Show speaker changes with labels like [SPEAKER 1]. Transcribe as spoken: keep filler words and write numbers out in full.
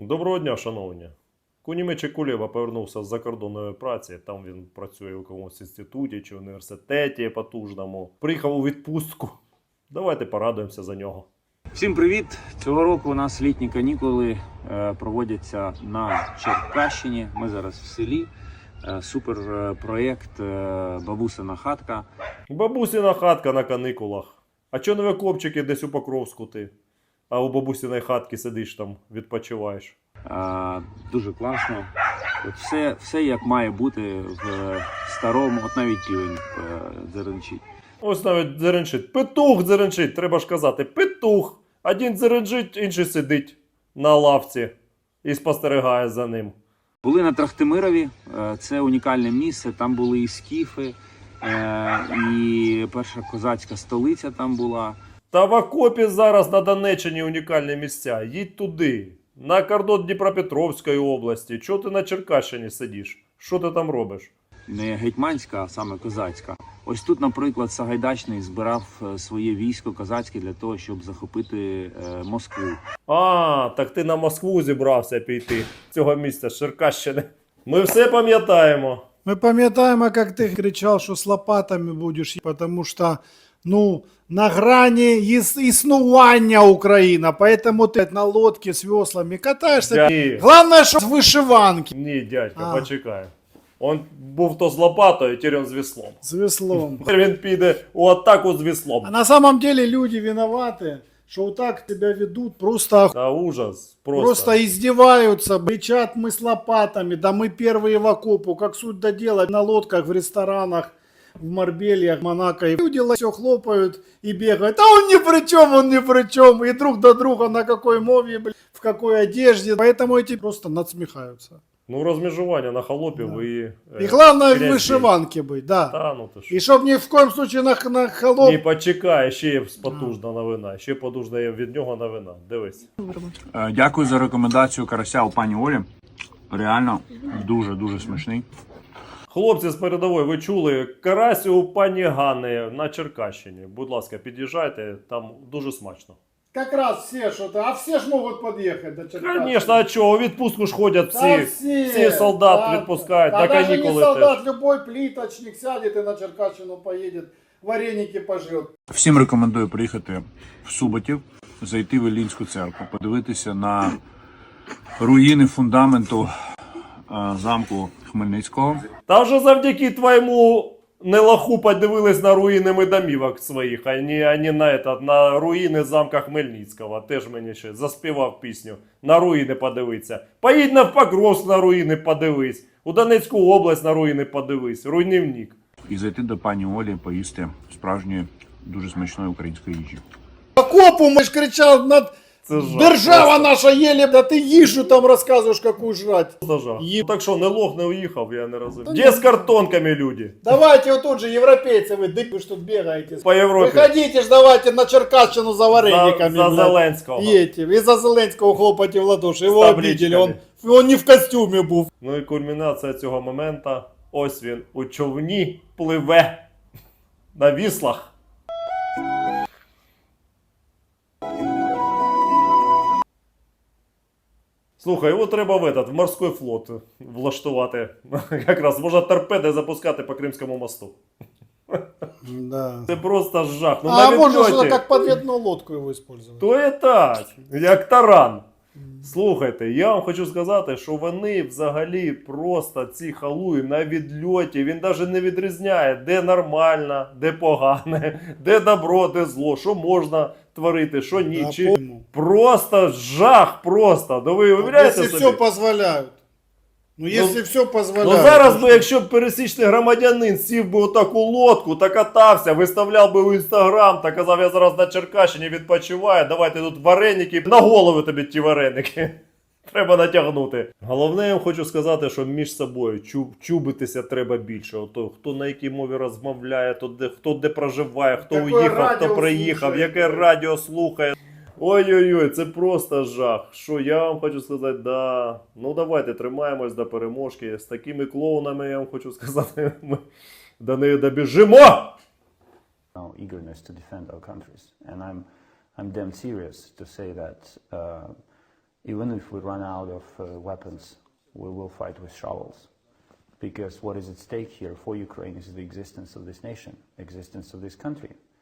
[SPEAKER 1] Доброго дня, шановні. Кунімечик Кулєба повернувся з закордонної праці. Там він працює у якомусь інституті чи університеті потужному. Приїхав у відпустку. Давайте порадуємося за нього.
[SPEAKER 2] Всім привіт! Цього року у нас літні канікули е, проводяться на Черкащині. Ми зараз в селі. Е, супер е, проєкт е, «Бабусина хатка».
[SPEAKER 1] Бабусина хатка на каникулах. А чого не ви, хлопчики, десь у Покровську ти? А у бабусиної хатки сидиш там, відпочиваєш.
[SPEAKER 2] Е, дуже класно. От все, все як має бути в старому, от навіть півень е, дзеренчить.
[SPEAKER 1] Ось навіть дзеренчить. Петух дзеренчить, треба ж казати. Петух. Один дзеренчить, інший сидить на лавці і спостерігає за ним.
[SPEAKER 2] Були на Трахтимирові, е, це унікальне місце, там були і скіфи, е, і перша козацька столиця там була.
[SPEAKER 1] Та в окопі зараз на Донеччині унікальні місця. Їдь туди. На кордон Дніпропетровської області. Чого ти на Черкащині сидиш? Що ти там робиш?
[SPEAKER 2] Не гетьманська, а саме козацька. Ось тут, наприклад, Сагайдачний збирав своє військо козацьке для того, щоб захопити е, Москву.
[SPEAKER 1] А, так ти на Москву зібрався піти. Цього місця з Черкащини. Ми все пам'ятаємо.
[SPEAKER 3] Мы пам'ятаємо, как ты кричал, что с лопатами будешь, потому что, ну, на грани іс- існування Украина, поэтому ты на лодке с веслами катаешься.
[SPEAKER 1] Ні,
[SPEAKER 3] Главное, что с вышиванки.
[SPEAKER 1] ні, дядька,
[SPEAKER 3] А.
[SPEAKER 1] почекай. Он був то з лопатою, тепер він з веслом.
[SPEAKER 3] С веслом.
[SPEAKER 1] Тепер він піде у атаку з веслом.
[SPEAKER 3] А на самом деле люди виноваты, что вот так тебя ведут, просто, ох-
[SPEAKER 1] Та ужас. Просто.
[SPEAKER 3] просто издеваются, кричат мы с лопатами, да мы первые в окопу, как суть до дела, на лодках, в ресторанах, в Марбельях, Монако. И люди все хлопают и бегают. А он ни при чем, он ни при чем. И друг до друга на какой мове, блин, в какой одежде. Поэтому эти просто надсмехаются.
[SPEAKER 1] Ну, розмежування на холопів
[SPEAKER 3] Да.
[SPEAKER 1] і...
[SPEAKER 3] И главное в
[SPEAKER 1] грязь.
[SPEAKER 3] вышиванке быть, да.
[SPEAKER 1] Та, ну ти що.
[SPEAKER 3] И чтоб ни в коем случае на, на холоп...
[SPEAKER 1] Ні, почекай, ще є потужна новина. Ще потужна є від нього новина. Дивись.
[SPEAKER 2] Е, Дякую за рекомендацію карася у пані Олі. Реально дуже-дуже смачний.
[SPEAKER 1] Хлопці з передової, ви чули карась у пані Гани на Черкащині. Будь ласка, під'їжджайте, там дуже смачно.
[SPEAKER 3] Как раз все что-то, а все ж могут подъехать до Черкасов.
[SPEAKER 1] Звісно, а чого? У відпустку ж ходять всі.
[SPEAKER 3] Да все,
[SPEAKER 1] всі солдат
[SPEAKER 3] да,
[SPEAKER 1] відпускають,
[SPEAKER 3] да,
[SPEAKER 1] на
[SPEAKER 3] даже не
[SPEAKER 1] канікули
[SPEAKER 3] солдат,
[SPEAKER 1] теж.
[SPEAKER 3] любой плиточник сядет и на Черкащину поедет, вареники пожрет.
[SPEAKER 2] Всім рекомендую приїхати в Суботів, зайти в Іллінську церкву, подивитися на руїни фундаменту е, замку Хмельницького.
[SPEAKER 1] Та вже завдяки твоєму нелаху подивились на руїни медомівок своїх, а не, а не на, этот, на руїни замка Хмельницького. Теж мені ще заспівав пісню. На руїни подивитися. Поїдь на Покровськ на руїни подивись. У Донецьку область на руїни подивись. Руйнівник.
[SPEAKER 2] І зайти до пані Олі поїсти справжньої, дуже смачної української їжі.
[SPEAKER 3] Окопу мы ж кричал, над...
[SPEAKER 1] Це жах.
[SPEAKER 3] держава наша еле, да ты ежу там рассказываешь, какую жрать.
[SPEAKER 1] Просто жах.
[SPEAKER 3] Є-
[SPEAKER 1] Так що, не лох, не уїхав, я не розумію.
[SPEAKER 3] Та
[SPEAKER 1] Де
[SPEAKER 3] ні.
[SPEAKER 1] з картонками люди?
[SPEAKER 3] Давайте вот тут же европейцы, вы, дык, вы что тут бегаете.
[SPEAKER 1] По Європі.
[SPEAKER 3] Выходите ж давайте на Черкащину за варениками.
[SPEAKER 1] За, за
[SPEAKER 3] блядь.
[SPEAKER 1] Зеленського.
[SPEAKER 3] Едьте, и за Зеленского хлопайте в ладоши, его
[SPEAKER 1] С
[SPEAKER 3] обидели, он,
[SPEAKER 1] табличками.
[SPEAKER 3] он не в костюме был.
[SPEAKER 1] Ну і кульмінація цього моменту. Ось він у човні пливе на віслах. Слухай, його треба в, этот, в морський флот влаштувати. Якраз можна торпеди запускати по Кримському мосту.
[SPEAKER 3] Да.
[SPEAKER 1] Це просто жах. Ну,
[SPEAKER 3] А
[SPEAKER 1] навіть
[SPEAKER 3] можно
[SPEAKER 1] льоті.
[SPEAKER 3] что-то как подводную лодку его использовать.
[SPEAKER 1] То і так, як таран. Слухайте, я вам хочу сказати, що вони взагалі просто ці халуї на відльоті, він навіть не відрізняє, де нормально, де погане, де добро, де зло, що можна творити, що ні.
[SPEAKER 3] Да,
[SPEAKER 1] Чи...
[SPEAKER 3] помню.
[SPEAKER 1] Просто жах, просто. Ну ви уявляєте
[SPEAKER 3] Если
[SPEAKER 1] собі?
[SPEAKER 3] все позволяют. Ну, если все позволяют.
[SPEAKER 1] Ну зараз би, якщо б пересічний громадянин сів би у таку лодку та катався, виставляв би у інстаграм та казав, я зараз на Черкащині відпочиваю, давайте тут вареники, на голову тобі ті вареники. Треба натягнути. Головне, я вам хочу сказати, що між собою чу- чубитися треба більше. Ото, хто на якій мові розмовляє, то де, хто де проживає, хто
[SPEAKER 3] Яке
[SPEAKER 1] уїхав, хто
[SPEAKER 3] радіо
[SPEAKER 1] приїхав,
[SPEAKER 3] слухає.
[SPEAKER 1] яке радіо слухає. Ой-ой-ой, це просто жах. Що я вам хочу сказати, да. Ну давайте тримаємось до переможки. З такими клоунами, я вам хочу сказати, ми до неї добіжимо!
[SPEAKER 4] Now eagerness to defend our countries, and I'm I'm damn serious to say that uh, Even if we run out of uh, weapons, we will fight with shovels. Because what is at stake here for Ukraine is the existence of this nation, existence of this country.